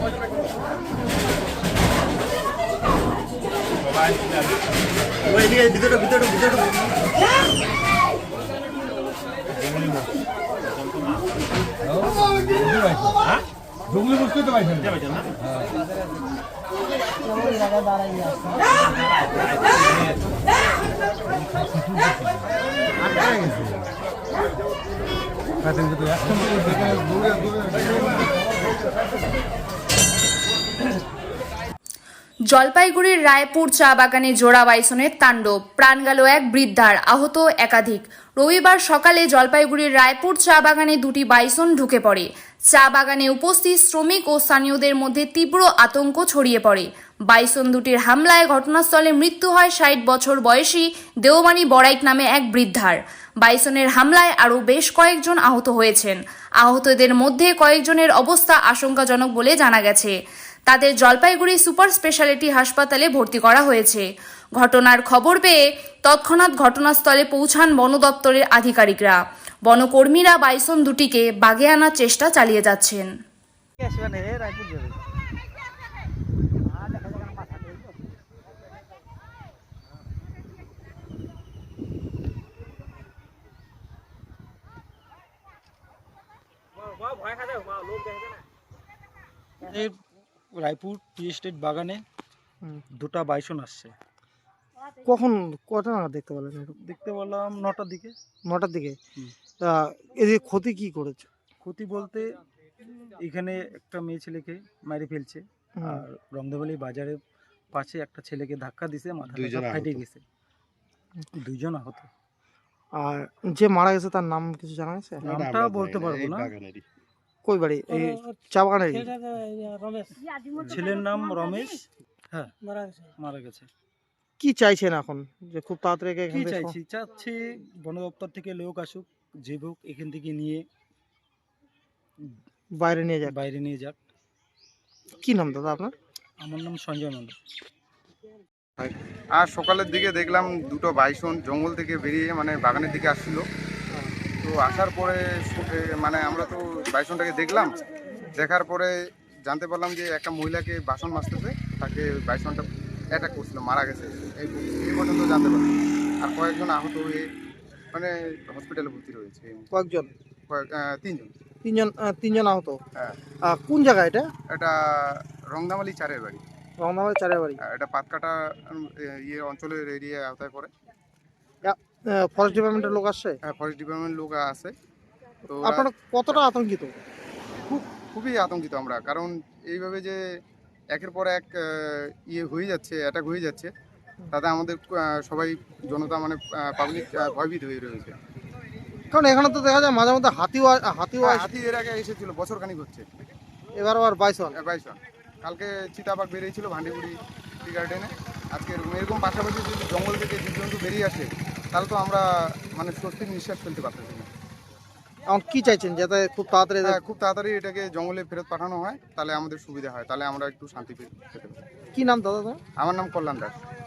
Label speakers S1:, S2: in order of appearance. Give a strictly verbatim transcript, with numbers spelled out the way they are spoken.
S1: ভিতরে ভিতরে ভিতরে জঙ্গলি বুঝতে তো পাইছেন না
S2: জলপাইগুড়ির রায়পুর চা বাগানে জোড়া বাইসনের তাণ্ডব, প্রাণ গেল এক বৃদ্ধার, আহত একাধিক। রবিবার সকালে জলপাইগুড়ির রায়পুর চা বাগানে দুটি বাইসন ঢুকে পড়ে। চা বাগানে উপস্থিত শ্রমিক ও স্থানীয়দের মধ্যে তীব্র আতঙ্ক ছড়িয়ে পড়ে। বাইসন দুটির হামলায় ঘটনাস্থলে মৃত্যু হয় ষাট বছর বয়সী দেওমানি বড়াইক নামে এক বৃদ্ধার। বাইসনের হামলায় আরও বেশ কয়েকজন আহত হয়েছেন। আহতদের মধ্যে কয়েকজনের অবস্থা আশঙ্কাজনক বলে জানা গেছে। তাদের জলপাইগুড়ি সুপার স্পেশালিটি হাসপাতালে ভর্তি করা হয়েছে। ঘটনার খবর পেয়ে তৎক্ষণাৎ ঘটনাস্থলে পৌঁছান বন দপ্তরের আধিকারিকরা। বনকর্মীরা বাইসন দুটিকে বাগে আনার চেষ্টা চালিয়ে যাচ্ছেন।
S3: রায়পুর টি এস্টেট বাগানে দুটা বাইসন আসছে।
S4: কখন কটা নাগাদ দেখতে পেলেন?
S3: দেখতে পেলাম নটার দিকে।
S4: নটার দিকে। এদের ক্ষতি কি করেছে?
S3: ক্ষতি বলতে এখানে একটা মেয়ে ছেলেকে মেরে ফেলছে, আর রংদেবালি বাজারের পাশে একটা ছেলেকে ধাক্কা দিছে, মাথাটা ফাটে গেছে, দুইজন আহত।
S4: আর যে মারা গেছে তার নাম কিছু জানা গেছে?
S3: নামটা বলতে পারবো না।
S4: কই বাড়ি? এই চা বাগানের
S3: ছেলের নাম রমেশ। হ্যাঁ, মারা গেছে।
S4: কি চাইছেন এখন? যে খুব তাড়াতাড়ি
S3: কি চাইছি চাচ্ছি বন দপ্তর থেকে লোক আসুক, যে হোক এখান থেকে নিয়ে
S4: বাইরে নিয়ে যাক
S3: বাইরে নিয়ে যাক।
S4: কি নাম দাদা আপনার?
S3: আমার নাম সঞ্জয় মন্ডল।
S5: আর সকালের দিকে দেখলাম দুটো বাইসন জঙ্গল থেকে বেরিয়ে মানে বাগানের দিকে আসছিল। তো আসার পরে মানে আমরা তো বাইসনটাকে দেখলাম, দেখার পরে জানতে পারলাম যে একটা মহিলাকে বাসন মাজতেছে, তাকে বাইসনটা অ্যাটাক করছিল, মারা গেছে, এই এই পর্যন্ত জানতে পারলাম। আর কয়েকজন আহত হয়ে মানে হসপিটালে ভর্তি রয়েছে।
S4: কয়েকজন?
S5: কয়েক তিনজন
S4: তিনজন তিনজন আহত।
S5: হ্যাঁ।
S4: কোন জায়গা এটা?
S5: এটা রংদামালি চারের বাড়ি।
S4: রংদামালি চারের বাড়ি।
S5: এটা পাতকাটা ইয়ে অঞ্চলের এরিয়া আওতায় পড়ে।
S4: ফরেস্ট ডিপার্টমেন্টের লোক আসছে?
S5: হ্যাঁ, ফরেস্ট ডিপার্টমেন্টের লোক আছে। তো
S4: আপনারা কতটা আতঙ্কিত?
S5: খুব খুবই আতঙ্কিত আমরা, কারণ এইভাবে যে একের পর এক ইয়ে হয়ে যাচ্ছে, অ্যাটাক হয়ে যাচ্ছে, তাতে আমাদের সবাই জনতা মানে পাবলিক ভয়ভীত হয়ে রয়েছে।
S4: কারণ এখানে তো দেখা যায় মাঝে মধ্যে হাতিও হাতিও
S5: হাতি এর আগে এসেছিল, বছরখানিক হচ্ছে।
S4: এবার আবার বাইসন
S5: বাইসন কালকে চিতাবাঘ বেরিয়েছিল ভান্ডিগুড়ি টি গার্ডেনে। আজকে এরকম পাশাপাশি যদি জঙ্গল থেকে জীবজন্তু বেরিয়ে আসে, তাহলে তো আমরা মানে স্বস্তির নিঃশ্বাস ফেলতে পারতেছি না।
S4: এখন কি চাইছেন যাতে খুব তাড়াতাড়ি?
S5: খুব তাড়াতাড়ি এটাকে জঙ্গলে ফেরত পাঠানো হয়, তাহলে আমাদের সুবিধা হয়, তাহলে আমরা একটু শান্তি পেতে পারি।
S4: কি নাম দাদা?
S5: আমার নাম কল্যাণ দাস।